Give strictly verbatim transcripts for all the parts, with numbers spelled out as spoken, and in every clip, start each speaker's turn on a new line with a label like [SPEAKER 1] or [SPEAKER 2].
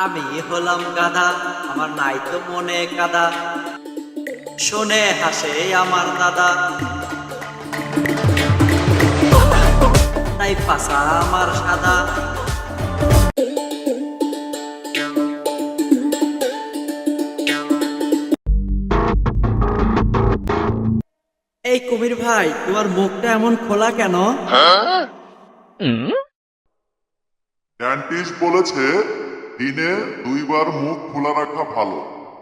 [SPEAKER 1] আমি হলাম গাধা, আমার নাই তো মনে কাদা, শুনে হাসে আমার দাদা, তাই পাশা আমার সাদা। এই কবির ভাই, তোমার মুখটা এমন খোলা কেন?
[SPEAKER 2] ডেন্টিস্ট বলেছে দিনে দুইবার মুখ খোলা রাখা ভালো।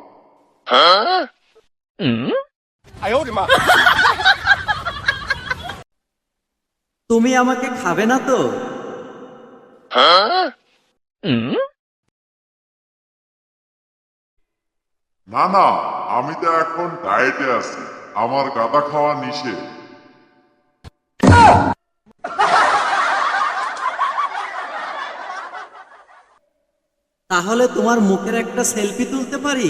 [SPEAKER 1] তুমি আমাকে খাবে না তো?
[SPEAKER 2] না না, আমি তো এখন ডায়েটে আছি, আমার গাদা খাওয়া নিষেধ।
[SPEAKER 1] তাহলে তোমার মুখের একটা সেলফি তুলতে পারি?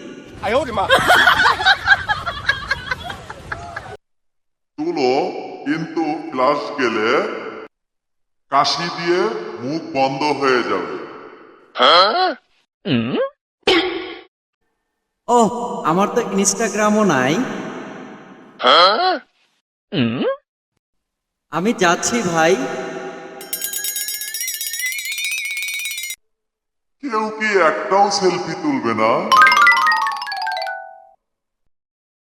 [SPEAKER 2] তুলো, কিন্তু ফ্লাশ গেলে কাশি দিয়ে মুখ বন্ধ হয়ে যাবে।
[SPEAKER 1] ওহ, আমার তো ইনস্টাগ্রামও নাই। আমি যাচ্ছি ভাই।
[SPEAKER 2] কেউ কি একটাও সেলফি তুলবে না?